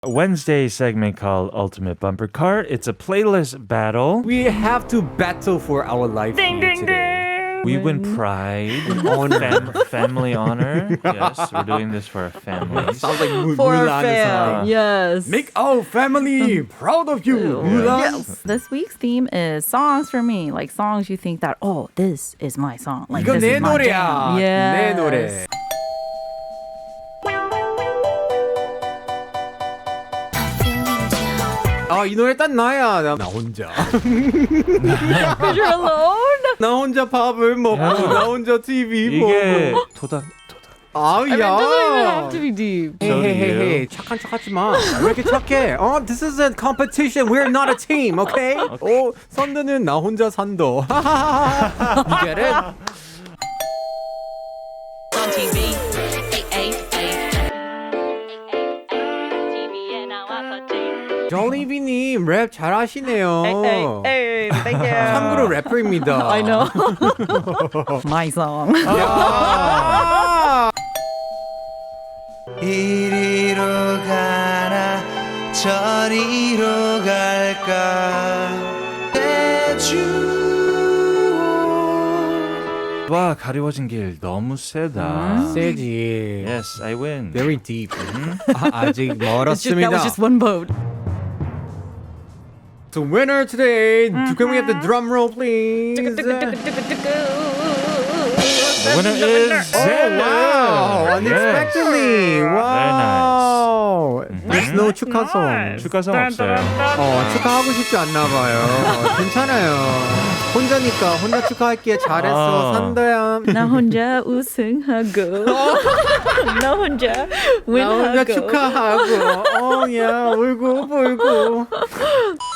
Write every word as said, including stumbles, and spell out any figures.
Wednesday segment called Ultimate Bumper Cart. It's a playlist battle. We have to battle for our life Ding, here ding, today. We win pride, Honor. fam- family honor. Yes, we're doing this for our families. Sounds like Mu- For our Mulan. family. Yes. Make our family proud of you, Mulan. Yes. This week's theme is songs for me. Like songs you think that, oh, this is my song. Like 이거 this 내 is my 노래야. jam. 내 Yes. 노래. 아, 이 노래 딱 나야. 나, 나 혼자. Because you're alone. 나 혼자 밥을 먹고, 야. 나 혼자 티비 이게 보고. 토닥 아우, I mean, it 야. doesn't even have to be deep. So do 헤헤헤헤 you. 착한 척하지 마. 왜 이렇게 착해? 어, this is a competition. We're not a team, okay? 오, 선드는 나 혼자 산도. You get it? on T V. Ay, ay, ay. 티비에 나왔었지. 정리비님 랩 잘하시네요. Hey, hey, thank you. 참고로 래퍼입니다. I know. My song. 야. 이리로 가나 저리로 갈까 대충 와 가리워진 길 너무 세다. 세지. Yes, I win. Very deep. 아, 아직 It's just, that 멀었습니다. was just one vote. So winner today. Can we get the drum roll, please? The winner is Oh, wow. Unexpectedly. Wow. There's no 축하송. 축하성 없어요. 어, 축하하고 싶지 않나 봐요. 어, 괜찮아요. 혼자니까 혼자 축하할게. 잘했어, 어. 산다야. 나 혼자 우승하고 나 혼자 나 혼자 윈하고 축하하고. 어, 야, 울고 불고.